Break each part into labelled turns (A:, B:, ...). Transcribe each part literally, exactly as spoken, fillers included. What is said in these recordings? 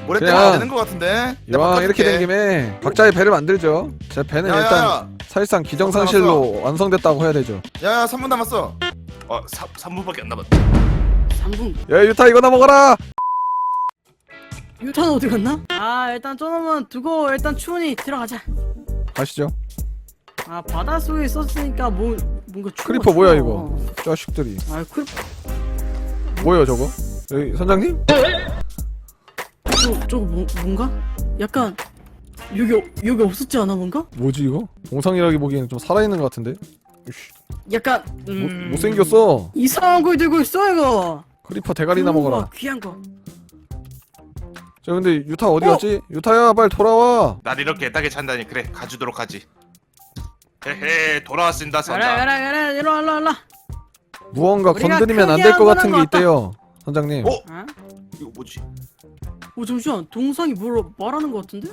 A: 모래
B: 그냥
A: 때문에 안 되는 것 같은데.
B: 이왕 이렇게 된 김에 각자의 배를 만들죠. 제 배는
A: 야,
B: 일단
A: 야, 야.
B: 사실상 기정상실로 완성됐다고 해야 되죠.
A: 야야 삼 분 남았어.
C: 어, 삼 분밖에 안 남았다.
D: 삼 분.
B: 야 유타 이거나 먹어라.
D: 유탄 어디 갔나? 아 일단 저놈은 두고 일단 추운이 들어가자.
B: 가시죠.
D: 아 바닷속에 있었으니까 뭐 뭔가 추워.
B: 크리퍼 뭐야 이거? 자식들이.
D: 아 크리
B: 뭐예요 저거? 여기 선장님?
D: 저 저거 뭐, 뭔가? 약간 여기 어- 여기 없었지 않아 뭔가?
B: 뭐지 이거? 동상이라기 보기에는 좀 살아있는 것 같은데? 이씨,
D: 약간
B: 못,
D: 음...
B: 못생겼어.
D: 이상한 걸 들고 있어 이거.
B: 크리퍼 대가리나
D: 좋은 거,
B: 먹어라.
D: 귀한 거.
B: 자 근데 유타 어디
D: 어?
B: 갔지? 유타야 빨리 돌아와.
C: 날 이렇게 애타게 찬다니 그래 가주도록 하지. 헤헤 돌아왔습니다
D: 가라
C: 선장.
D: 가라 가라 이리 와 이리 와 이리 와.
B: 무언가
D: 우리가
B: 건드리면 안
D: 크게
B: 될 것
D: 한
B: 같은
D: 거는
B: 게 있대요. 선장님.
C: 어?
D: 어?
C: 이거 뭐지?
D: 어 잠시만 동상이 뭘 말하는 것 같은데?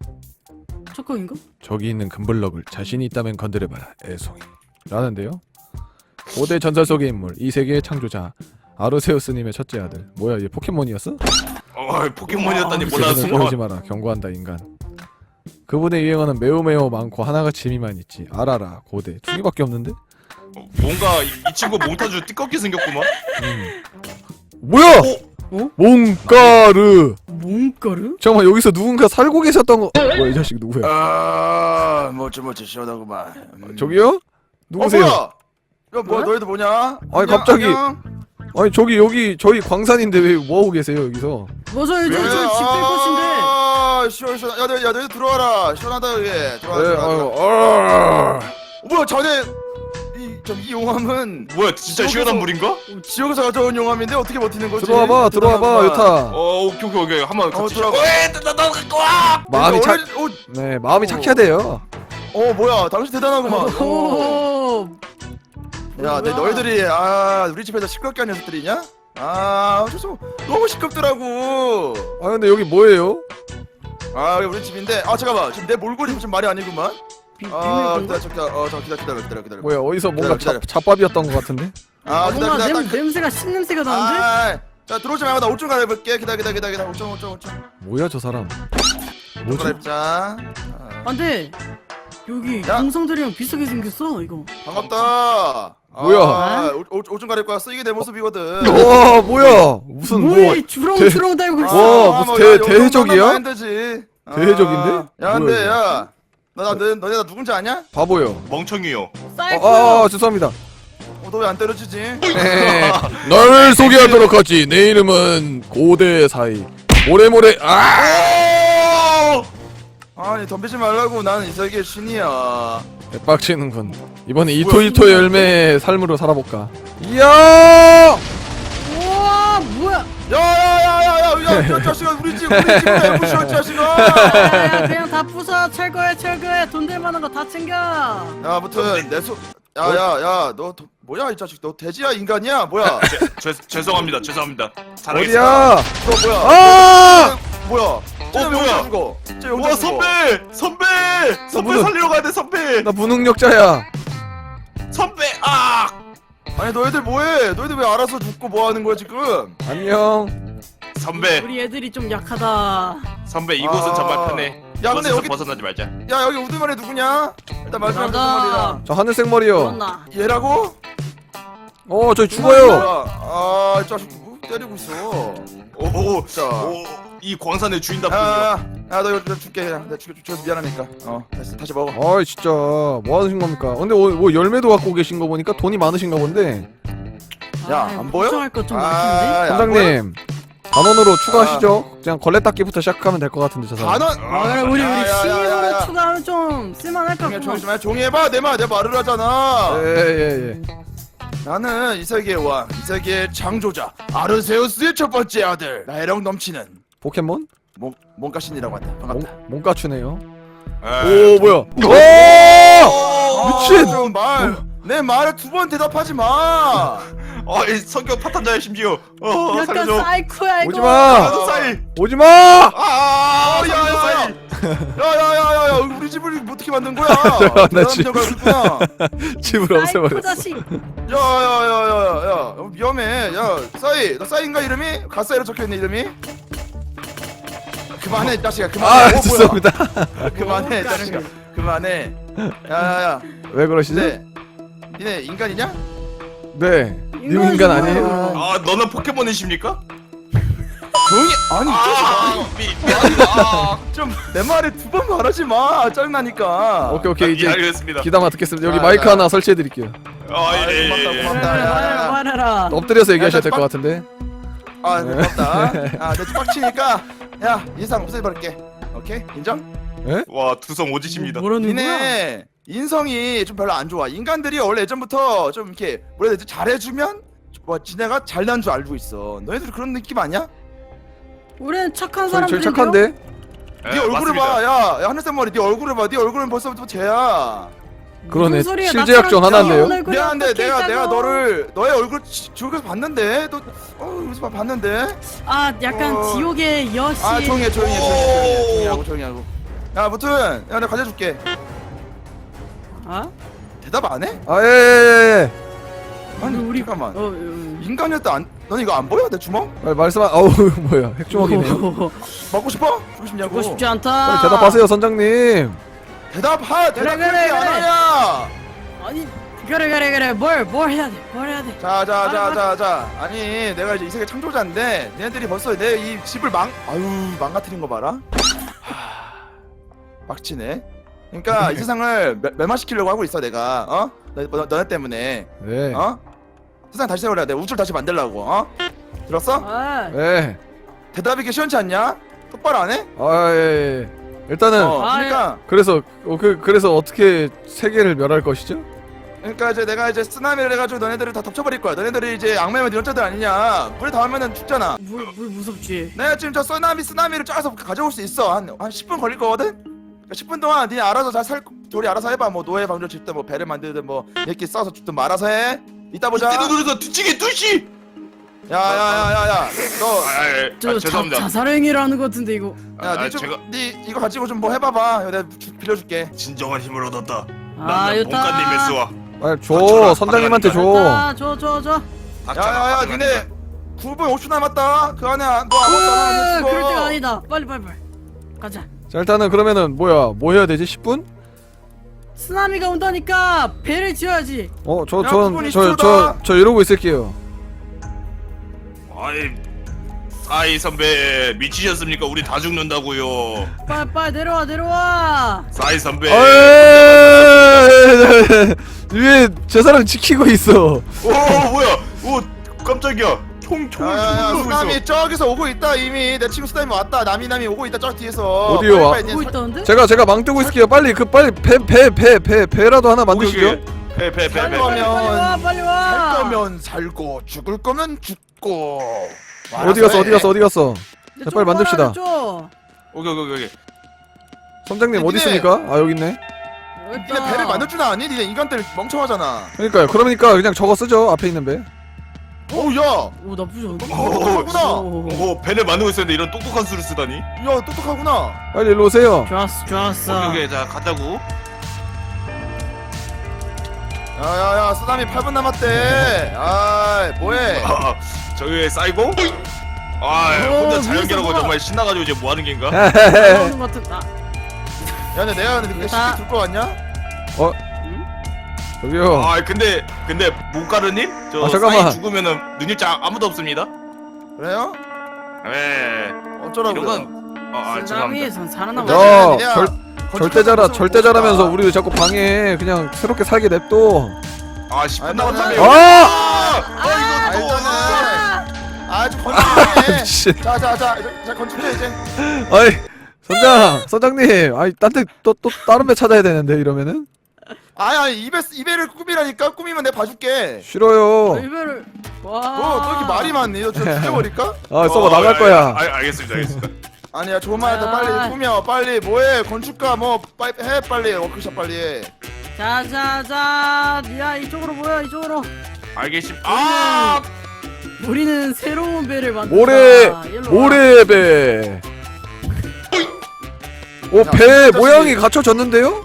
D: 착각인가?
B: 저기 있는 금블럭을 자신이 있다면 건드려봐라 애송이 라는데요. 고대 전설 속의 인물 이 세계의 창조자 아르세우스님의 첫째 아들. 뭐야 얘 포켓몬이었어?
C: 어 포켓몬이었다니
D: 아,
B: 제대로
C: 몰랐어.
B: 보이지 마라 경고한다 인간. 그분의 유행어는 매우 매우 많고 하나가 재미만 있지. 알아라 고대 두 개밖에 없는데?
C: 어, 뭔가 이, 이 친구 몽타주 띠껍게 생겼구만.
B: 음. 뭐야!
D: 어?
B: 몽가르.
D: 몽가루?
B: 잠깐만 여기서 누군가 살고 계셨던 거. 뭐야 이 자식 누구야?
A: 아 멋져 멋져 시원하구만. 음.
B: 저기요? 누구세요?
A: 어, 뭐야? 야 뭐야
D: 뭐야?
A: 너희들 뭐냐?
B: 아니,
A: 안녕,
B: 갑자기.
A: 안녕?
B: 아니 저기 여기 저희 광산인데 왜 뭐하고 계세요 여기서?
D: 맞아 이제
A: 왜?
D: 저집뺄 것인데.
A: 아 시원 시원. 야 너희 야 너희 들어와라. 시원하다 여기. 들어와.
B: 네,
A: 들어와,
B: 아유,
A: 들어와.
B: 아.
A: 어, 뭐야 전에 이저이 용암은
C: 뭐야 진짜
A: 여기서-
C: 시원한 물인가?
A: 지역에서 가져온 용암인데 어떻게 버티는 거지?
B: 들어와봐 들어와봐
A: 대단하구만.
B: 유타.
C: 어 오케이 오케이 오케이 한번
A: 어,
C: 같이.
A: 들어가.
C: 나나 갖고 와.
B: 마음이 착.
A: 어, 어,
B: 네 마음이 착해야 돼요.
A: 어 뭐야 당신 대단하구만. 어.
D: 오.
A: 야, 내 너희들이 아 우리 집에서 시끄럽게 한 녀석들이냐? 아, 죄송 너무 시끄럽더라고.
B: 아 근데 여기 뭐예요?
A: 아, 여기 우리 집인데 아 잠깐만 지금 내 몰골이 좀 말이 아니구만.
D: 비,
A: 아,
D: 비밀
A: 기다려, 기다려, 어, 저 기다려, 기다려, 기다려, 기다려.
B: 뭐야 어디서 뭔가
A: 기다려,
B: 자, 잡밥이었던 것 같은데?
A: 아,
D: 아,
A: 기다려,
D: 뭔가
A: 기다려,
D: 냄,
A: 딱.
D: 냄새가 신냄새가 나는데?
A: 아, 자 들어오지 말고 나 옷 좀 갈아입을게. 기다려, 기다려, 기다려, 기다려. 옷 좀, 옷 좀, 옷 좀.
B: 뭐야 저 사람?
A: 옷
B: 뭐지?
A: 갈아입자.
D: 아,
A: 아,
D: 근데 여기
A: 야.
D: 동상들이랑 비슷하게 생겼어 이거.
A: 반갑다.
B: 뭐야?
A: 아, 옷 좀 갈아입고 왔어. 이게 내 모습이거든.
B: 와 뭐야 무슨 뭐
D: 뭐야 주렁주렁 달고
A: 아,
D: 있어.
B: 와, 무슨
A: 뭐,
B: 대-
A: 야, 요 정도는
B: 대해적이야?
A: 하면 되지. 아,
B: 대해적인데?
A: 야,
B: 뭐야,
A: 근데
B: 이거?
A: 야, 나, 나, 너, 너네 나 누군지 아냐?
B: 바보요.
C: 멍청이요.
D: 사이코.
B: 아, 아 죄송합니다.
A: 어, 너 왜 안 때려주지?
B: 네, 널 소개하도록 하지. 내 이름은 고대 사이. 모래모래. 아!
A: 아니 덤비지 말라고. 나는 이 세계의 신이야.
B: 빡치는군. 이번에 이토이토의 열매의 삶으로 살아볼까. 이야!
D: 우와 뭐야?
A: 야야야야야, 야, 이 자식아, 우리 집, 우리 집을 왜 부셔, 이 자식아.
D: 야, 그냥 다 부숴. 철거해 철거해. 돈 될 만한 거 다 챙겨.
A: 야, 아무튼 내 소, 야야야, 너 도, 뭐야 이 자식? 너 돼지야 인간이야? 뭐야?
C: 죄, 죄, 죄송합니다 죄송합니다. 잘하겠습니다.
B: 어디야?
A: 너 뭐야?
B: 아!
A: 뭐야?
C: 어, 뭐야?
A: 죽어. 쟤 영장
C: 와
A: 죽어.
C: 선배 선배 선배
B: 문은-
C: 살리러 가야 돼 선배
B: 나 무능력자야.
C: 선배 아
A: 아니 너희들 뭐해? 너희들 왜 알아서 죽고 뭐 하는 거야 지금?
B: 안녕.
C: 선배
D: 우리 애들이 좀 약하다.
C: 선배 이곳은
A: 아.
C: 정말 편해.
A: 야, 근데
C: 이곳에서
A: 여기-
C: 벗어나지 말자.
A: 야, 여기 우두머리 누구냐? 일단 마지막
D: 나다.
A: 우두머리랑
B: 저 하늘색 머리요.
D: 그렇나?
A: 얘라고?
B: 어, 저기 죽어요.
A: 아, 이 자식 누구 때리고 있어?
C: 오오
A: 자.
C: 이 광산의 주인답군요.
A: 야, 야, 너 이거 줄게. 내가 죽여 줘서 미안하니까. 어, 다시 다시 먹어.
B: 아이 진짜 뭐 하신 겁니까? 근데 뭐, 뭐 열매도 갖고 계신 거 보니까 돈이 많으신가 본데.
A: 야,
D: 아이,
A: 안 보여?
D: 걱정할 것 좀 많긴데.
A: 야,
B: 선장님 단원으로 추가하시죠. 그냥 걸레 닦기부터 시작하면 될 것 같은데 저 사람.
A: 단원.
D: 아 그래 우리
A: 야,
D: 우리
A: 야, 야, 야,
D: 신입으로
A: 야.
D: 추가하면 좀 쓸만할 것
A: 종이
D: 같구만.
A: 종이 좀 해. 종이 해봐. 내 말, 내 말을 하잖아.
B: 예예 예.
A: 나는 이 세계의 왕, 이 세계의 창조자 아르세우스의 첫 번째 아들. 나이랑 넘치는
B: 포켓몬?
A: 몽 몽가신이라고 한다.
B: 몽,
A: 반갑다.
B: 몽가추네요.
C: 에이,
B: 오 뭐야? 오!
A: 어,
B: 미친!
A: 좀 말. 내 말에 두 번 대답하지 마.
C: 어, 이 성격 파탄자야 심지어. 어,
D: 약간
C: 살려줘.
D: 사이코야 이거.
B: 오지 마.
C: 나도 사이.
B: 오지 마!
C: 아,
A: 어, 야, 야, 야. 야야야야야, 우리 집을 어떻게 만든 거야?
B: 나 지금-
A: 있구나.
B: 집을
D: 사이코
B: 없애버렸어.
D: 자식.
A: 야야야야야, 위험해. 야, 싸이, 너 싸이인가 이름이? 가싸이로 적혀 있는 이름이? 그만해 이 자식아
B: 아
A: 그만해. 어, 뭐야.
B: 죄송합니다.
A: 그만해 이 자식아 그만해. 야야야.
B: 왜 그러시죠?
A: 네. 니네 인간이냐?
B: 네. 님
D: 인간이지
B: 인간
D: 뭐야.
B: 아니에요?
C: 아 너는 포켓몬이십니까?
A: 조용히 아니
C: 아 미, 미안합니다.
A: 좀 내 말에 두 번 말하지 마. 짜증나니까.
B: 오케이 오케이
C: 예,
B: 이제
C: 알겠습니다.
B: 귀담아 듣겠습니다. 여기
A: 자,
B: 마이크
A: 자.
B: 하나 설치해 드릴게요.
C: 아예
A: 고맙다,
C: 예, 예.
A: 고맙다.
D: 말해라 말해라 말해라.
B: 엎드려서 얘기하셔야
A: 야,
B: 될 것
A: 빡-
B: 같은데.
A: 아 고맙다. 아내 빡치니까 야 인상 없애버릴게. 오케이 인정?
C: 와 두성 오지십니다.
D: 뭐라는 거야?
A: 니네 인성이 좀 별로 안 좋아. 인간들이 원래 예전부터 좀 이렇게 뭐라 해야 되지 잘해주면 뭐 지네가 잘난 줄 알고 있어. 너희들 그런 느낌 아니야?
D: 우리는 착한
B: 저희 제일
D: 사람들인데요?
B: 착한데.
C: 예,
A: 네 얼굴을
C: 맞습니다.
A: 봐. 야, 야 하늘색 머리. 네 얼굴을 봐. 네 얼굴은 벌써부터 쟤야.
B: 그러네.
D: 무슨 소리야?
B: 실제약전
D: 나처럼
B: 하나인데요?
D: 귀여운 얼굴이
A: 미안한데
D: 어떻게
A: 내가 내가
D: 있다고.
A: 너를 너의 얼굴 지- 지옥에서 봤는데 너 어, 여기서 봐- 봤는데.
D: 아 약간
A: 어.
D: 지옥의 여신.
A: 아 조용히 해 조용히 해 조용히 해 조용히 해, 조용히 하고 조용히 하고. 야 아무튼 야 내가 가져줄게.
D: 아?
A: 대답 안 해?
B: 아 예예예.
A: 아니
D: 우리-
A: 잠깐만.
D: 어, 어.
A: 인간이었다 안. 넌 이거 안 보여 내 주먹?
B: 빨리 말씀하. 어우 뭐야 핵주먹이네요.
A: 먹고 싶어? 주고 싶냐고.
D: 보고 싶지 않다.
B: 빨리 대답하세요 선장님.
A: 대답하.
D: 그래,
A: 대답해
D: 그래,
A: 안
D: 그래.
A: 하냐?
D: 아니 그래 그래 그래 뭘 뭘 해야 돼? 뭘 해야 돼?
A: 자, 자, 자,
D: 아,
A: 자, 자. 아니, 내가 이제 이 세계 창조자인데, 얘네들이 벌써 내 이 집을 망, 아유, 망가뜨린 거 봐라. 하, 빡치네. 그러니까 이 세상을 멸- 멸망시키려고 하고 있어, 내가. 어? 너, 너, 너네 때문에.
B: 네.
A: 어? 세상 다시 세우려야 돼. 우주를 다시 만들려고. 어? 들었어?
D: 아,
B: 네.
A: 대답이 이렇게 시원치 않냐? 똑바로 안 해?
B: 아 예. 예. 일단은
A: 어,
D: 아,
A: 그러니까,
B: 그래서 어, 그 그래서 어떻게 세계를 멸할 것이죠?
A: 그러니까 이제 내가 이제 쓰나미를 해가지고 너네들을 다 덮쳐버릴 거야. 너네들이 이제 악마면 이런자들 아니냐? 물에 닿으면은 죽잖아.
D: 물, 물 무섭지.
A: 내가 지금 저 쓰나미 쓰나미를 짜서 가져올 수 있어. 한 한 십 분 걸릴 거거든. 그러니까 십 분 동안 니 알아서 잘 살 둘이 알아서 해봐. 뭐 노예 방조 짓든 뭐 배를 만들든 뭐 이렇게 싸서 죽든 뭐 알아서 해. 이따 보자.
C: 이때 눈에서 뒤치기 뚜시.
A: 야야야야야. 너.
C: 아예
D: 저
C: 아,
D: 자,
C: 죄송합니다.
D: 자살행위라는 것 같은데 이거.
C: 아,
A: 야, 니 좀,
C: 제가
A: 니 이거 가지고 좀 뭐 해봐봐. 이거 내가 주, 빌려줄게.
C: 진정한 힘을 얻었다.
D: 아,
C: 나는
D: 좋다.
C: 본관님의 수와
B: 빨리 줘
C: 맞춰라,
B: 선장님한테 줘.
D: 자, 줘, 줘, 줘.
A: 야야야, 니네 구 분 오 초 남았다. 그 안에 안- 너 아무것도 안 하면
D: 으,
A: 죽어.
D: 그럴 때가 아니다. 빨리, 빨리, 빨리. 가자.
B: 자 일단은 그러면은 뭐야 뭐 해야 되지? 십 분?
D: 쓰나미가 온다니까 배를 지어야지.
A: 야, 그분
B: 어저전저저
A: 이십초다.
B: 저, 저 이러고 있을게요.
C: 아이 사이 선배 미치셨습니까? 우리 다 죽는다고요.
D: 빨리, 빨리 내려와, 내려와.
C: 사이 선배.
B: 아, 위에 제 사람 지키고 있어.
C: 오 뭐야? 오 깜짝이야. 총 총을
A: 야야야,
C: 쏘고
A: 쓰나미
C: 있어.
A: 저기서 오고 있다 이미. 내 친구 쓰나미 왔다. 남이 남이 오고 있다 저 뒤에서.
B: 어디요?
A: 빨리,
B: 와-
A: 빨리,
D: 보고
A: 니 살-
D: 있다는데?
B: 제가 제가 망 뜨고 있을게요. 빨리 그 빨리 배 배 배 배 배라도 하나 만드시죠.
C: 배배배 배.
A: 살려면-
D: 빨리 와, 빨리 와.
A: 살 거면 살고 죽을 거면 죽고.
B: 어디 갔어 어디 갔어 어디 갔어?
D: 내
B: 자,
D: 쪽
B: 빨리 만듭시다.
D: 봐라, 내 쪽.
C: 오케이 오케이 오케이.
B: 선장님
A: 니네-
B: 어디 있습니까? 아 여기 있네.
D: 여기
A: 니네
D: 있다.
A: 배를 만들 줄 아니? 니네 인간들 멍청하잖아.
B: 그러니까요. 그러니까 그냥 저거 쓰죠. 앞에 있는 배.
A: 어우 야,
D: 오, 나쁘지 않은데?
C: 오,
A: 똑똑하구나.
D: 오,
C: 오 배를 만들고 있었는데 이런 똑똑한 수를 쓰다니.
A: 야 똑똑하구나.
B: 빨리 일로 오세요.
D: 좋았어, 좋았어.
C: 오케이 오케이 자 갔다고.
A: 야야야, 쓰나미 팔 분 남았대. 아, 뭐해?
C: 아, 저기 사이고? 아
D: 오,
C: 혼자
D: 위에서
C: 자연계라고
D: 뭐야?
C: 정말 신나가지고 이제 뭐 하는 겐가?
D: 나오는 것 같은. 아,
A: 야, 근데 내가 근데 그게
D: 됐다.
A: 쉽게 둘거 같냐?
B: 저기요.
C: 아 근데 근데 모카르님 저
B: 아, 잠깐만.
C: 사이 죽으면은 능력자 아무도 없습니다.
A: 그래요?
C: 네.
A: 어쩌라고요?
C: 이런 건 아, 아 죄송합니다.
D: 쓰나미에선 살아남아.
A: 야,
B: 야,
A: 니네야
B: 절
A: 건축하자,
B: 절대자라
A: 건축
B: 절대자라면서
A: 봅시다.
B: 우리를 자꾸 방해해. 그냥 새롭게 살게 냅둬.
C: 아 십 분
A: 아니,
C: 남았다며.
B: 아!
C: 아! 아 이거 또.
A: 알잖아. 아, 좀 건축해.
B: 미친.
A: 자, 자, 자, 자, 건축해 이제.
B: 아이 선장 선장님. 아이 딴데또 또 다른 배 찾아야 되는데 이러면은
A: 아니, 아니, 입에 입에를 꾸미라니까. 꾸미면 내가 봐줄게.
B: 싫어요.
D: 이별을. 와.
A: 너, 너 이렇게 말이 많니? 너 진짜 죽여버릴까?
B: 아 썩어
C: 어,
B: 나갈
C: 아,
B: 거야.
C: 아, 아, 알겠습니다 알겠습니다.
A: 아니야, 좋은 말 했다. 빨리
D: 아.
A: 꾸며. 빨리 뭐해? 건축가 뭐 빨리 해. 빨리 워크숍 빨리 해.
D: 자, 자, 자. 야, 이쪽으로 모여, 이쪽으로.
C: 알겠습니다. 아!
D: 우리는 새로운 배를 만든다.
B: 모래
D: 일로 와.
B: 모래배. 오
A: 야,
B: 배
A: 진짜
B: 모양이
A: 신기해.
B: 갖춰졌는데요?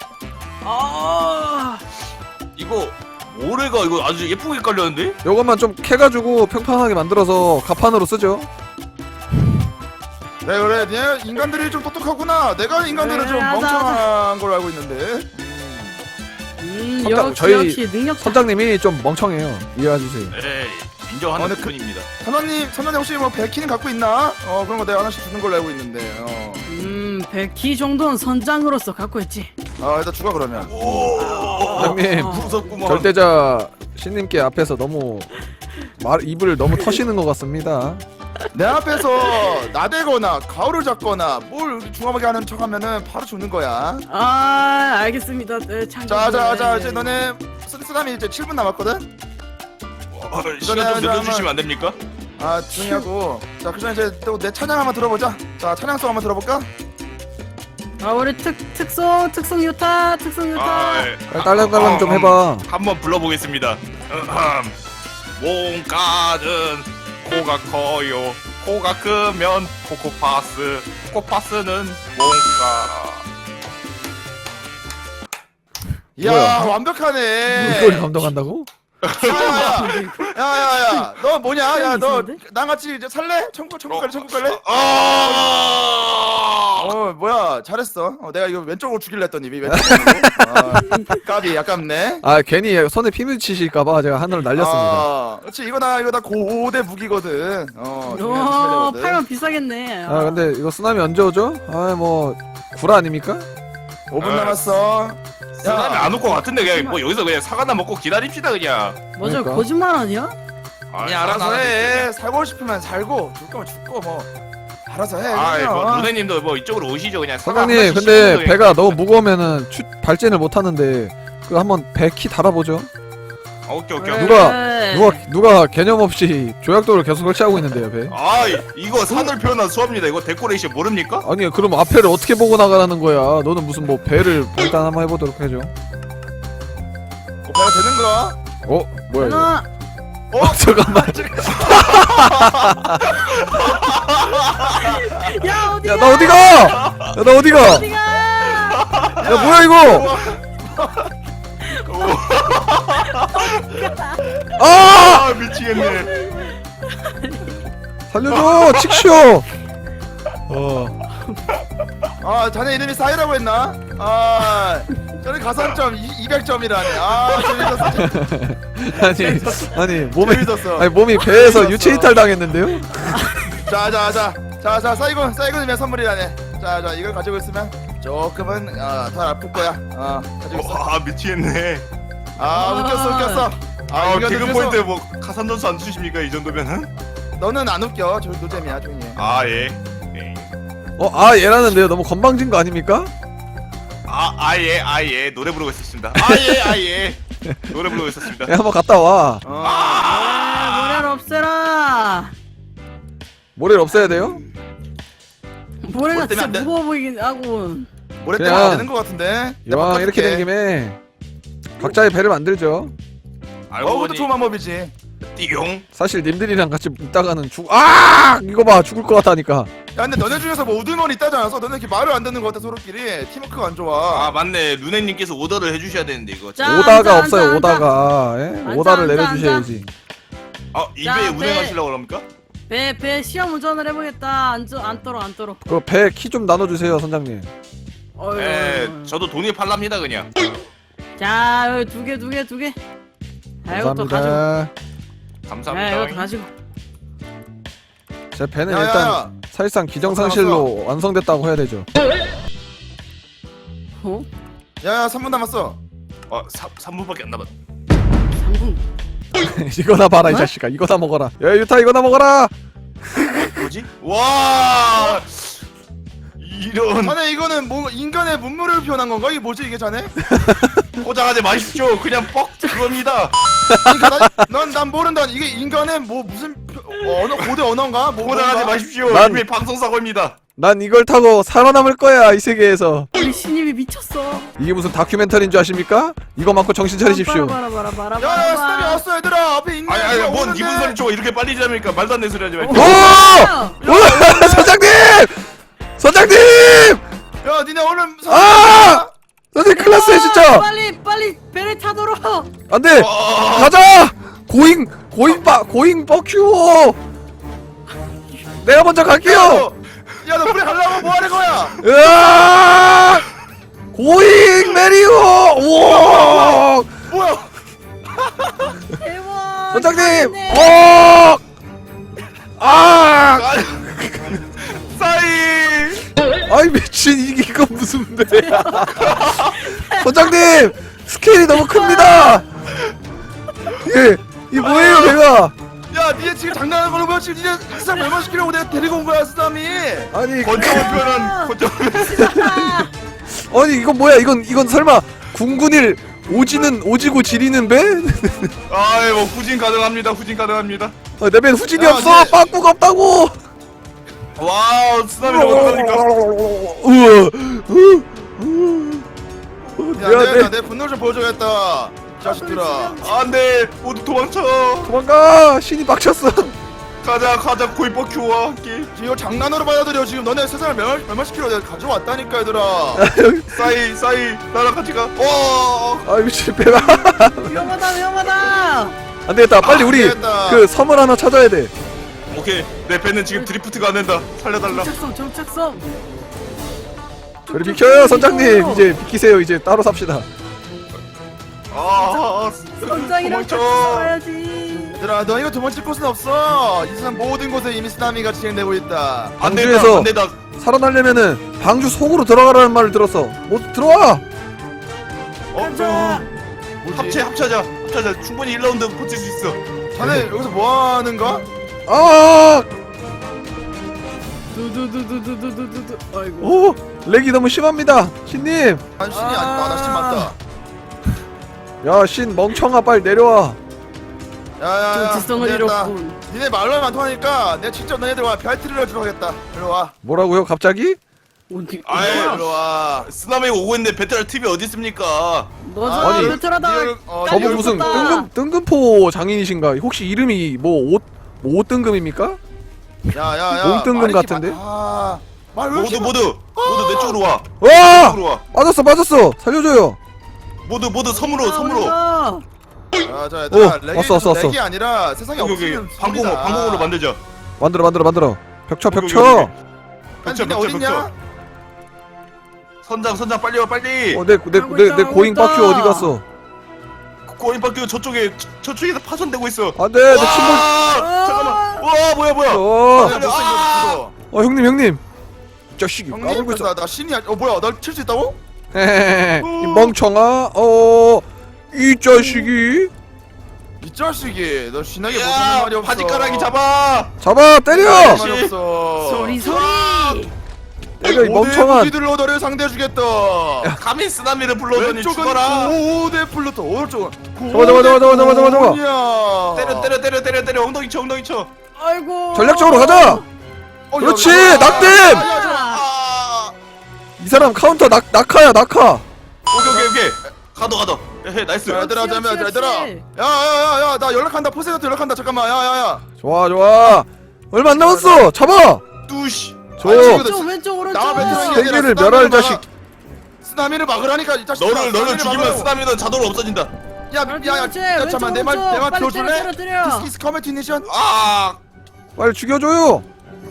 D: 아.
C: 이거 모래가 이거 아주 예쁘게 깔렸는데?
B: 요것만 좀 캐가지고 평평하게 만들어서 가판으로 쓰죠.
A: 그래 그래 네 인간들이 좀 똑똑하구나. 내가 인간들은
D: 그래,
A: 좀
D: 하자,
A: 멍청한 걸로 알고 있는데.
D: 음
B: 선장,
D: 역시
B: 저희
D: 역시 능력.
B: 선장님이 좀 멍청해요. 이해해주세요.
C: 에이, 인정하는
A: 어, 근데 그-
C: 부분입니다.
A: 선원님 선원님 혹시 뭐 백키는 갖고 있나? 어 그런 거 내가 하나씩 주는 걸로 알고 있는데. 어.
D: 음 백키 정도는 선장으로서 갖고 있지.
A: 아 일단 주가 그러면.
C: 오,
B: 선장님
D: 어.
C: 무섭구만.
B: 절대자 신님께 앞에서 너무 말 입을 너무 터시는 것 같습니다.
A: 내 앞에서 나대거나 가오를 잡거나 뭘 중하게 하는 척하면은 바로 죽는 거야.
D: 아 알겠습니다. 네, 참.
A: 자자자 이제 너네 쓰담이 이제 칠 분 남았거든.
C: 어, 시간 좀 늘려주시면 안 됩니까?
A: 아 조용히 하고. 자 그럼 이제 또 내 찬양 한번 들어보자. 자 찬양송 한번 들어볼까?
D: 아 우리 특 특송 특송 유타 특송 유타.
C: 아, 예.
B: 딸랑딸랑 좀 해봐.
C: 한번 불러보겠습니다. 몸가는 코가 커요. 코가 크면 코코파스. 코코파스는 몸가.
A: 이야
B: 뭐야?
A: 완벽하네.
B: 이걸 감독한다고?
A: 야야야야 너 뭐냐? 야 너
D: 이상한데?
A: 나같이 이제 살래? 천국 천국 갈래? 천국 갈래?
C: 아!
A: 어 뭐야 잘했어. 어, 내가 이거 왼쪽으로 죽일래 했더니 왜 왼쪽으로? 아, 까비 아깝네.
B: 아 괜히 손에 피 묻히실까봐 제가 하늘을 날렸습니다.
A: 아, 그렇지 이거 나 이거 다 고대 무기거든. 어. 조심해야
D: 오
A: 되거든.
D: 팔면 비싸겠네.
B: 아 근데 이거 쓰나미 언제 오죠? 아 뭐 구라 아닙니까?
A: 오 분 남았어.
C: 사람이 안 올 것 같은데 그냥 뭐 여기서 그냥 사과나 먹고 기다립시다 그냥.
D: 맞아
B: 그러니까.
D: 거짓말 아니야?
A: 아니 알아서 해. 살고 싶으면 살고 죽 거면 죽고 뭐 알아서 해.
C: 아,
A: 그냥.
C: 뭐 누네님도 뭐 이쪽으로 오시죠 그냥. 사과 한
B: 사장님
C: 번씩
B: 근데
C: 씹는
B: 배가 너무 무거우면은 추, 발진을 못 하는데 그 한번 배 키 달아보죠.
C: 거예요. 아, 오케이 오케이.
D: 그래.
C: 오케이.
B: 누가 누가 누가 개념 없이 조약돌을 계속 설치하고 있는데요 배.
C: 아 이- 이거 산을 표현한 수업입니다. 이거 데코레이션 모릅니까?
B: 아니 그럼 앞에를 어떻게 보고 나가라는 거야? 너는 무슨 뭐 배를 일단 한번 해보도록 해줘.
A: 어, 배가 되는 거야?
B: 어 뭐야 이거?
D: 하나.
B: 어 잠깐만.
D: 야 어디야?
B: 야 나 어디가? 야 나 어디가?
D: 어디가?
B: 야 뭐야 이거? 아
C: 아 미치겠네.
B: 살려줘 칙쇼. 어.
A: 아 자네 이름이 사이라고 했나? 아 저는 가산점 이백 점이라네. 아 재밌었어.
B: 아니 아니 몸에
A: 재밌었어.
B: 아니 몸이 배에서
A: 재밌었어.
B: 유체 이탈 당했는데요?
A: 자자자자자자 사이곤 사이곤이면 선물이라네. 자자 이걸 가지고 있으면 조금은 아, 덜 아플 거야. 아 가지고 있어.
C: 아 미치겠네.
A: 아 웃겼어 웃겼어.
C: 아
A: 인간
C: 개그
A: 웃겨서.
C: 포인트 뭐 가산 점수 안 주십니까 이 정도면은?
A: 너는 안 웃겨. 저 노잼이야 조용히 해.
C: 아 예. 예.
B: 어 아 얘라는데요 너무 건방진 거 아닙니까?
C: 아 아예 아예 노래 부르고 있었습니다. 아예 아예 노래 부르고 있었습니다.
B: 야 한번 갔다 와.
A: 어.
D: 아, 모래를 없애라.
B: 모래를 없애야 돼요?
D: 모래가
A: 뭘 때문에
D: 진짜
A: 안 돼?
D: 무거워 보이긴 하고.
A: 모래
B: 그냥
A: 때문에 되는 거 같은데.
B: 이왕 이렇게 된 김에 각자의 배를 만들죠.
C: 알고
A: 어 그것도
C: 보니
A: 좋은 방법이지.
C: 띠용.
B: 사실 님들이랑 같이 있다가는 죽. 아 이거 봐 죽을 것 같다니까.
A: 야 근데 너네 중에서 뭐 우두머리 있다지 않았어? 너네 이렇게 말을 안 듣는 거 같아 서로끼리. 팀워크가 안 좋아.
C: 아 맞네 루네님께서 오더를 해주셔야 되는데 이거.
D: 자,
B: 오다가
D: 앉아,
B: 없어요
D: 앉아,
B: 오다가. 예?
D: 앉아,
B: 오다를
D: 앉아,
B: 내려주셔야지.
C: 아
D: 자,
C: 입에
D: 네.
C: 운행하시려고 그럽니까?
D: 배 배 시험 운전을 해보겠다. 안, 저, 안 떨어 안 떨어.
B: 그 배 키 좀 나눠주세요 선장님.
D: 어휴.
C: 네 저도 돈이 팔랍니다 그냥.
D: 자 여기 두 개 두 개 두 개. 아 이것도 가지고.
B: 감사합니다.
D: 야
C: 감사합니다.
D: 이것도 가지고.
B: 제 배는
A: 야야야.
B: 일단 사실상 기정상실로 완성됐다고 해야 되죠.
D: 어?
A: 야야 삼 분 남았어.
C: 어 삼 분밖에 안 남았.
D: 삼 분.
B: 이거나 봐라 이
D: 어?
B: 자식아 이거나 먹어라. 야 유타 이거나 먹어라.
C: 뭐지? 와 이런
A: 자네 이거는 뭐 인간의 문물을 표현한 건가? 이게 뭐지 이게 자네?
C: 포장하지 마십시오. 그냥 뻑 그겁니다.
A: 그러니까 넌난 모른다. 이게 인간의 뭐 무슨 표, 어, 언어 고대 언어인가? 뭐
C: 포장하지
A: 뭔가?
C: 마십시오.
B: 난-
C: 이미 방송 사고입니다.
B: 난 이걸 타고 살아남을 거야 이 세계에서.
D: 우리 신입이 미쳤어.
B: 이게 무슨 다큐멘터리인 줄 아십니까? 이거 맞고 정신 차리십시오.
D: 바라 바라 바라 바라.
A: 야야 스텝이 왔어 얘들아. 앞에 있네.
C: 아니 아니
A: 누가
C: 뭔
A: 오는데.
C: 이분 소리 쳐 이렇게 빨리 지납니까? 말도 안 되는 소리 하지 말고.
B: 오! 오! 선장님! 선장님!
A: 야 니네 얼른 서-
B: 아! 선생님 큰일 났어요 진짜!
D: 빨리 빨리 배를 타도록.
B: 안돼!
C: 아,
B: 가자! 고잉! 고잉 빠! 고잉 뻑큐! 내가 먼저 갈게요!
A: 야 너 물에 가려고 뭐 하는 거야?
B: 으아! 고잉 메리오! 우와!
A: 뭐야?
D: 대박.
B: 선장님! 어! 아!
C: 싸이.
B: 아이 미친 이게 이거 무슨 배야? 선장님! 스케일이 너무 큽니다! 예, 이 뭐예요 배가?
A: 야 니네 지금 장난하는 걸로 보여 지금 니네 이상 멸망시키려고 내가 데리고 온 거야 쓰담이.
B: 아니
C: 권총을 표현한 권총을.
B: 아니 이건 뭐야? 이건 이건 설마 궁군일 오지는 오지고 지리는 배?
C: 아이 뭐 후진 가능합니다. 후진 가능합니다.
B: 아, 내 배는 후진이
A: 야,
B: 없어.
A: 네.
B: 빠꾸가 없다고.
C: 와우 쓰나미를 어떡합니까?
B: 우와.
A: 야
B: 야,
A: 내가
B: 내
A: 내 분노 좀 보여줘야겠다. 이 자식들아.
C: 안돼 모두 도망쳐.
B: 도망가. 신이 빡쳤어.
C: 가자 가자 고이버 큐와 함께.
A: 이거 장난으로 받아들여 지금 너네 세상을 멸, 멸망시키려고 내가 가져왔다니까 얘들아.
C: 싸이 싸이 나랑 같이 가. 어.
B: 아 미친 배가.
D: 위험하다 위험하다.
B: 안 되겠다. 빨리
A: 아,
B: 우리
A: 안 되겠다.
B: 그 섬을 하나 찾아야 돼.
C: 오케이 내 배는 지금 드리프트가 안 된다. 살려달라.
D: 정착성 정착성.
B: 저리 비켜요 선장님. 이제 비키세요. 이제 따로 삽시다.
C: 아,
D: 선장이랑 같이
C: 도망쳐.
D: 살아야지.
A: 얘들아 너 이거 도망칠 곳은 없어. 이 세상 모든 곳에 이미 쓰나미가 진행되고 있다.
C: 안 된다
B: 방주에서
C: 안 된다.
B: 살아나려면은 방주 속으로 들어가라는 말을 들었어. 모두 들어와.
C: 어,
D: 가자.
A: 뭐지?
C: 합체 합체하자 합체하자. 충분히 일 라운드 버틸 수 있어.
A: 자네 여기서 뭐 하는 거야?
B: 아!
D: 두두두두두두두두. 아이고.
B: 오! 렉이 너무 심합니다. 신님.
A: 안신이 아니다. 나신 맞다.
B: 야, 신 멍청아 빨리 내려와.
A: 야야야.
D: 정체성을 잃었군.
A: 니네 말로만 안 통하니까 내가 직접 너네들과 별티를 해주러 가겠다. 일로 와.
B: 뭐라고요? 갑자기?
D: 어디?
C: 아이,
D: 어디야?
A: 일로 와.
C: 쓰나미 오고 있는데 베테랑 팁이 어디 있습니까?
D: 너잖아
B: 아니,
D: 베테랑다.
A: 니들, 어,
B: 저분
A: 니들
B: 무슨
D: 떴다.
B: 뜬금, 뜬금포 장인이신가? 혹시 이름이 뭐 옷, 뭐 옷뜬금입니까?
A: 야야야.
B: 몽뜬금
A: 말이지,
B: 같은데?
A: 마- 아. 말왜
C: 모두
A: 이렇게
C: 모두 모두 내 쪽으로 와.
B: 와!
C: 내 쪽으로 와.
B: 빠졌어, 빠졌어. 살려줘요.
C: 모두 모두 섬으로 섬으로.
D: 아,
A: 자, 자, 얘들아,
B: 오,
A: 렉이
B: 왔어, 왔어, 왔어.
A: 렉이 아니라 세상에
C: 여기 여기
A: 없으면
C: 방공호
A: 소리다.
C: 방공호로 만들자.
B: 만들어, 만들어, 만들어. 벽쳐,
C: 여기,
B: 벽쳐.
C: 여기, 여기.
A: 아니,
C: 벽쳐
A: 니네
C: 벽쳐
A: 어딨냐?
C: 벽쳐. 선장 선장 빨리 와 빨리.
B: 어, 내, 내,
D: 하고
B: 내,
D: 있다,
B: 내
D: 하고
B: 고잉
D: 있다.
B: 바퀴 어디 갔어?
C: 고인박교 저쪽에 저- 저쪽에서 파손되고 있어.
B: 안 돼, 내 침몰.
C: 와, 잠깐만. 와 뭐야 뭐야.
B: 어,
A: 야, 못 써, 이거 못
B: 어, 형님, 형님. 이 자식이
A: 써.
B: 까불고
A: 형님,
B: 있어.
A: 나, 나 신이야. 어, 뭐야, 날 칠 수 있다고?
B: 헤헤헤. 이 멍청아. 어, 이 자식이.
A: 이 자식이, 너 신나게 못하는
C: 야
A: 말이 없어.
C: 바지가랑이 잡아.
B: 잡아, 때려.
A: 말이 없어.
D: 소리 소리.
B: 때려, 이 멍청한.
A: 무기들로 너를 상대해주겠다.
C: 감히 쓰나미를 불러더니
A: 왼쪽은
C: 죽어라.
A: 고대 플루토, 오른쪽은
B: 잡아, 잡아, 잡아, 잡아, 잡아, 잡아, 잡아.
A: 고냐.
C: 때려 때려 때려 때려 때려 엉덩이 쳐 엉덩이 쳐.
D: 아이고.
B: 전략적으로 가자.
A: 어,
B: 그렇지,
A: 야, 야,
B: 낙댐!
A: 야, 야, 야,
C: 아.
B: 이 사람 카운터 낙 낙하야 낙하.
C: 오케이 오케이 오케이. 가도 가도. 해 나이스.
A: 자, 얘들아,
D: 그렇지,
A: 잠깐만,
D: 그렇지,
A: 얘들아.
D: 그렇지.
A: 야야야야, 나 연락한다. 포세이트 연락한다. 잠깐만, 야야야.
B: 좋아 좋아. 얼마 안 남았어. 잡아.
C: 뚜시.
B: 줘.
A: 아니, 지금
D: 왼쪽 왼쪽 오른쪽.
A: 나와 베테랑이
B: 세계를
A: 아니라
B: 멸할
A: 쓰나미를
B: 자식.
A: 막아. 쓰나미를 막으라니까 이 자식.
C: 너를 너를 죽이면 쓰나미는 자동으로 없어진다.
A: 야,
D: 그렇지,
A: 야, 야,
D: 그렇지.
A: 야, 잠깐만, 내 말,
D: 왼쪽,
A: 내 말
D: 빨리
A: 들어줄래?
D: 때려, 때려, 때려.
A: This is combination.
C: 아.
B: 빨리 죽여줘요.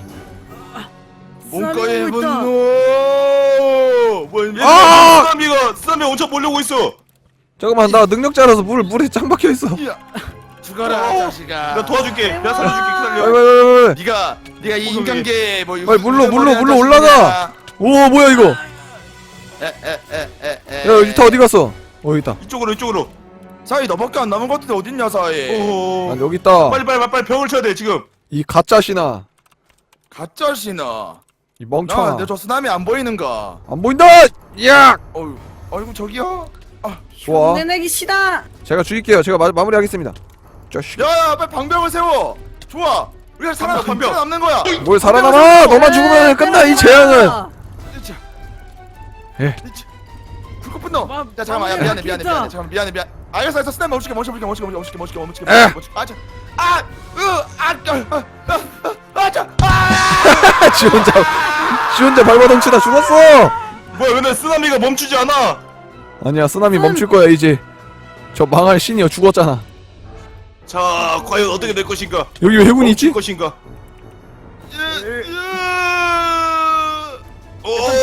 A: 문과의
D: 쓰나미가 있다.
A: 분노. 뭐,
B: 아!
C: 쓰나미가 쓰나미 엄청 몰려오고 있어.
B: 잠깐만 나 능력자라서 물 물에 짱 박혀 있어.
A: 야, 죽어라,
C: 어,
A: 자식아.
C: 내가 도와줄게. 내가 살려줄게.
B: 빨리
C: 기다려.
B: 빨리 빨리 빨리.
A: 네가 네가 이
C: 오케이,
A: 인간계 뭐
B: 빨리 물로, 물로, 물로 올라가. 오 뭐야 이거?
A: 에에에에에.
B: 야 이타 어디 갔어? 어 여기 있다.
C: 이쪽으로 이쪽으로.
A: 사이 너밖에 안 남은 것 같은데 어딨냐 사이.
C: 오.
B: 난 여기 있다.
C: 빨리 빨리 빨리 빨리 병을 쳐야 돼 지금.
B: 이 가짜 신아.
A: 가짜 신아.
B: 이 멍청아.
A: 나내 저 쓰나미 안 보이는가?
B: 안 보인다. 야.
A: 어유, 아이고 저기요. 아,
B: 좋아.
D: 내내기 시다.
B: 제가 죽일게요. 제가 마, 마무리하겠습니다. 자식.
A: 야야, 빨리 방벽을 세워. 좋아. 우리가 살아
C: 방벽, 방벽.
A: 남는 거야.
B: 뭘 살아남아? 너만 죽으면 끝나 이 재앙은.
A: 자,
B: 예.
A: 불꽃 분노.
D: 마-
A: 야 잠깐만, 야
D: 마무리
A: 미안해 미안해
D: 됐다.
A: 미안해 잠깐 미안해 미안. 알겠어 알겠어. 쓰나미 멈출게 멈출게 멈출게 멈출게 멈출게 멈출게
B: 에.
A: 멈출게. 아, 자, 아, 으, 아, 아, 아, 아, 아, 자, 아.
B: 지 혼자 지 혼자 발버둥치다 죽었어.
C: 뭐야 근데 쓰나미가 멈추지 않아.
B: 아니야 쓰나미 멈출 거야 이제. 저 망할 신이여 죽었잖아.
C: 자 과연 어떻게 될 것인가.
B: 여기 왜 해군이 있지?
C: 멈출 것인가.
A: 으, 으.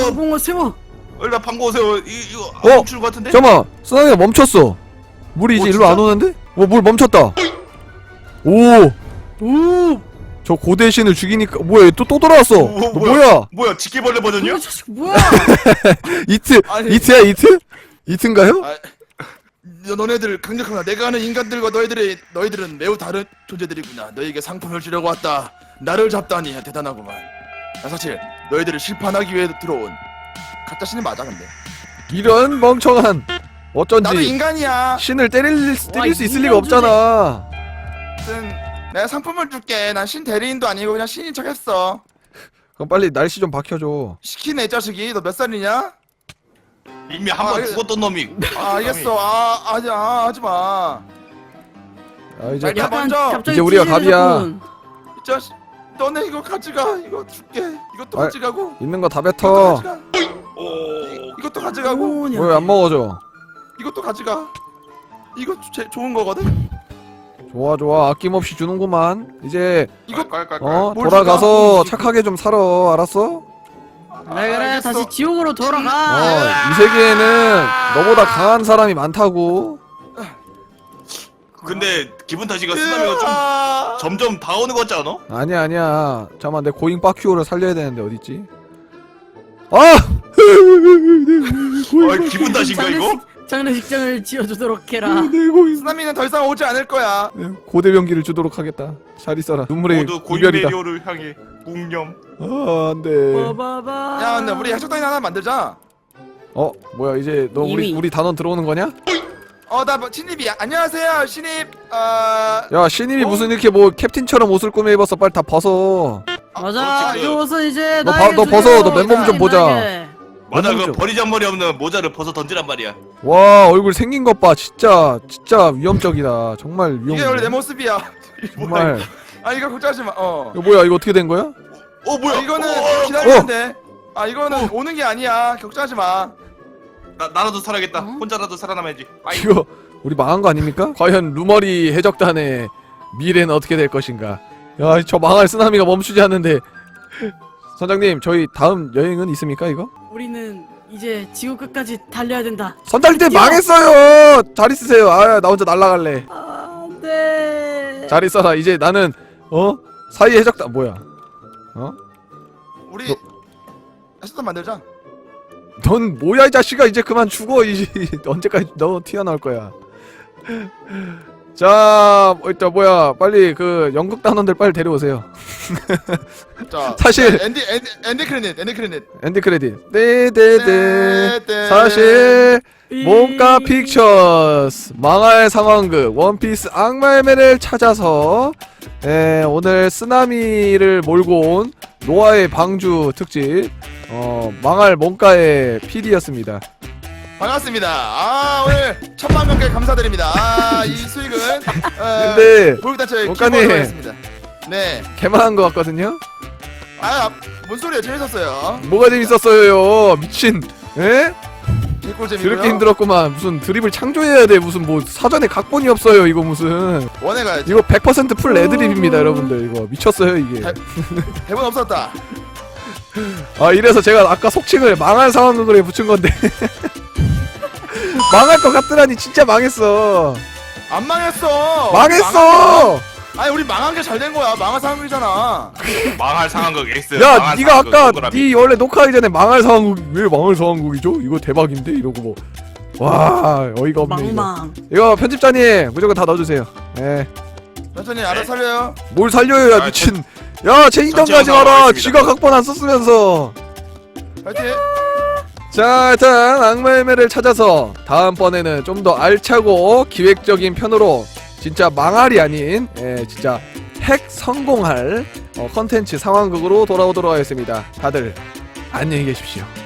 D: 봉어 세워.
C: 일단 방고 오세요. 이 이거
B: 어?
C: 안 멈추는 것 같은데?
B: 잠깐만 쓰나미가 멈췄어. 물이 이제
C: 어,
B: 일로 안
C: 진짜?
B: 오는데? 어 물 멈췄다. 오!
D: 오.
B: 저 고대 신을 죽이니까 뭐야 얘 또 또 돌아왔어.
C: 오,
B: 너
C: 뭐야?
B: 뭐야?
C: 뭐야 지게벌레 버전이요?
D: 이 자식 뭐야?
B: 이트
A: 아니.
B: 이트야 이트? 이트인가요?
A: 아, 너, 너네들 강력하구나. 내가 아는 인간들과 너희들의 너희들은 매우 다른 존재들이구나. 너희에게 상품을 주려고 왔다. 나를 잡다니 대단하구만. 나 사실 너희들을 실판하기 위해 들어온 가짜 신이 맞아 근데.
B: 이런 멍청한 어쩐지
A: 나도 인간이야.
B: 신을 때릴, 때릴
D: 와,
B: 수 있을 리가
D: 인간 주제.
B: 없잖아.
A: 아무튼 내가 상품을 줄게. 난 신 대리인도 아니고 그냥 신인 척했어.
B: 그럼 빨리 날씨 좀 박혀줘.
A: 시키네 이 자식이. 너 몇 살이냐?
C: 이미 한 번
A: 아,
C: 죽었던 놈이.
A: 아 알겠어. 아 하지 아 하지 마.
B: 아 이제
A: 빨리
B: 가-
A: 야, 먼저.
D: 갑자기
B: 이제 우리가
D: 찌질해졌군.
A: 이 자식. 너네 이거 가져가. 이거 줄게. 이것도
B: 아,
A: 가져가고.
B: 있는 거 다
A: 이것도
B: 뱉어.
A: 가져가.
C: 오.
A: 이것도 가져가고.
D: 뭐냐?
B: 왜 안 먹어줘?
A: 이것도 가져가. 이거 제, 좋은 거거든.
B: 좋아 좋아 아낌없이 주는구만. 이제
A: 이거
C: 깔깔깔.
B: 어
A: 뭘
B: 돌아가서
A: 줄까?
B: 착하게 좀 살아. 알았어?
D: 그래 그래
A: 알겠어.
D: 다시 지옥으로
B: 어
D: 돌아가.
B: 이 세계에는 너보다 강한 사람이 많다고.
C: 근데 기분 탓이가 쓰나미가
A: 아,
C: 좀 점점 다오는 것 같지 않아?
B: 아니야 아니야. 잠깐만 내 고잉 빠큐어를 살려야 되는데 어딨지? 아!
C: 아 기분 탓인가 이거?
D: 장례식, 장례식장을 지어주도록 해라.
B: 내 고잉
A: 쓰나미는 더 이상 오지 않을 거야.
B: 고대 병기를 주도록 하겠다. 잘 있어라. 눈물의
C: 모두
B: 이별이다.
C: 고인메리오를 향해 공념.
B: 아 안돼.
D: 봐봐.
A: 야 근데 우리 해적단이 하나 만들자.
B: 어 뭐야 이제 너 우리
D: 이미.
B: 우리 단원 들어오는 거냐?
A: 어나 신입이야. 안녕하세요 신입. 어...
B: 야 신입이
A: 어?
B: 무슨 이렇게 뭐 캡틴처럼 옷을 꾸며 입었어. 빨리 다 벗어.
D: 맞아.
C: 그렇지, 그-
D: 이것은 이제
B: 너
D: 나에게
B: 봐- 너
D: 주세요.
B: 벗어. 너 맨몸 좀 보자.
D: 나에게.
C: 맞아
B: 너무
C: 그
B: 좀-
C: 버리잔머리 없는 모자를 벗어 던지란 말이야.
B: 와 얼굴 생긴 것 봐. 진짜 진짜 위험적이다. 정말 위험.
A: 이게 원래 내 모습이야.
B: 정말.
A: 아 이거 걱정하지 마. 어.
B: 이거 뭐야 이거 어떻게 된 거야?
C: 어 뭐야?
A: 아, 이거는
C: 어,
A: 기다리면 돼. 아 이거는 오는 게 아니야. 걱정하지 마.
C: 나 나라도 살아야겠다.
D: 어?
C: 혼자라도 살아남아야지. 아이.
B: 이거 우리 망한 거 아닙니까? 과연 루머리 해적단의 미래는 어떻게 될 것인가? 야 저 망할 쓰나미가 멈추지 않는데. 선장님 저희 다음 여행은 있습니까 이거?
D: 우리는 이제 지구 끝까지 달려야 된다.
B: 선장님
D: 뛰어!
B: 망했어요. 잘 있으세요. 아 나 혼자 날라갈래.
D: 안돼.
B: 잘 있어라. 이제 나는 어 사이 해적단 뭐야? 어?
A: 우리
B: 너-
A: 해적단 만들자.
B: 넌 뭐야 이 자식아 이제 그만 죽어. 이 언제까지 너 튀어나올 거야. 자 일단 뭐야 빨리 그 연극 단원들 빨리 데려오세요.
A: 자
B: 사실-
A: 엔디 엔디 엔디 크레딧 엔디 크레딧.
B: 엔드 크레딧. 네네네.
A: 네, 네.
B: 사실
D: 이-
B: 몸가 픽처스 망할 상황극 원피스 악마의 매를 찾아서 에, 오늘 쓰나미를 몰고 온 노아의 방주 특집 어 망할 몸가의 피디였습니다.
A: 반갑습니다. 아 오늘 천만 명께 감사드립니다. 아이 수익은 어,
B: 근데
A: 보육단체
B: 원가님.
A: 기부하도록 하겠습니다. 네.
B: 개만한 것 같거든요.
A: 아뭔 소리야 재밌었어요.
B: 뭐가 재밌었어요 미친. 에?
A: 개꿀잼이고요.
B: 그렇게 힘들었구만. 무슨 드립을 창조해야 돼. 무슨 뭐 사전에 각본이 없어요. 이거 무슨
A: 원해가야지.
B: 이거 백 퍼센트 풀 애드립입니다 여러분들. 이거 미쳤어요 이게.
A: 대본 없었다.
B: 아 이래서 제가 아까 속칭을 망할 상황극으로 붙인 건데 망할 것 같더라니 진짜 망했어.
A: 안 망했어.
B: 망했어.
A: 망한 게- 아니 우리 망한 게 잘 된 거야. 망한 상황이잖아.
C: 망할 상황극 X.
B: 야
C: 망할
B: 네가
C: 상황극
B: 아까
C: 동그라미.
B: 네 원래 녹화하기 전에 망할 상황극 왜 망할 상황극이죠? 이거 대박인데 이러고 뭐. 와 어이가 없네 이거.
D: 망망.
B: 이거 편집자님 무조건 다 넣어주세요. 예.
A: 천천히 알아서 살려요.
B: 뭘 살려요 야
C: 아,
B: 미친. 야 체인점
C: 전체
B: 가지
C: 영상으로
B: 마라.
C: 하겠습니다.
B: 지가 각본 안 썼으면서.
A: 파이팅.
B: 자 일단 악마의 매를 찾아서 다음번에는 좀 더 알차고 기획적인 편으로 진짜 망할이 아닌 예, 진짜 핵 성공할 어, 컨텐츠 상황극으로 돌아오도록 하겠습니다. 다들 안녕히 계십시오.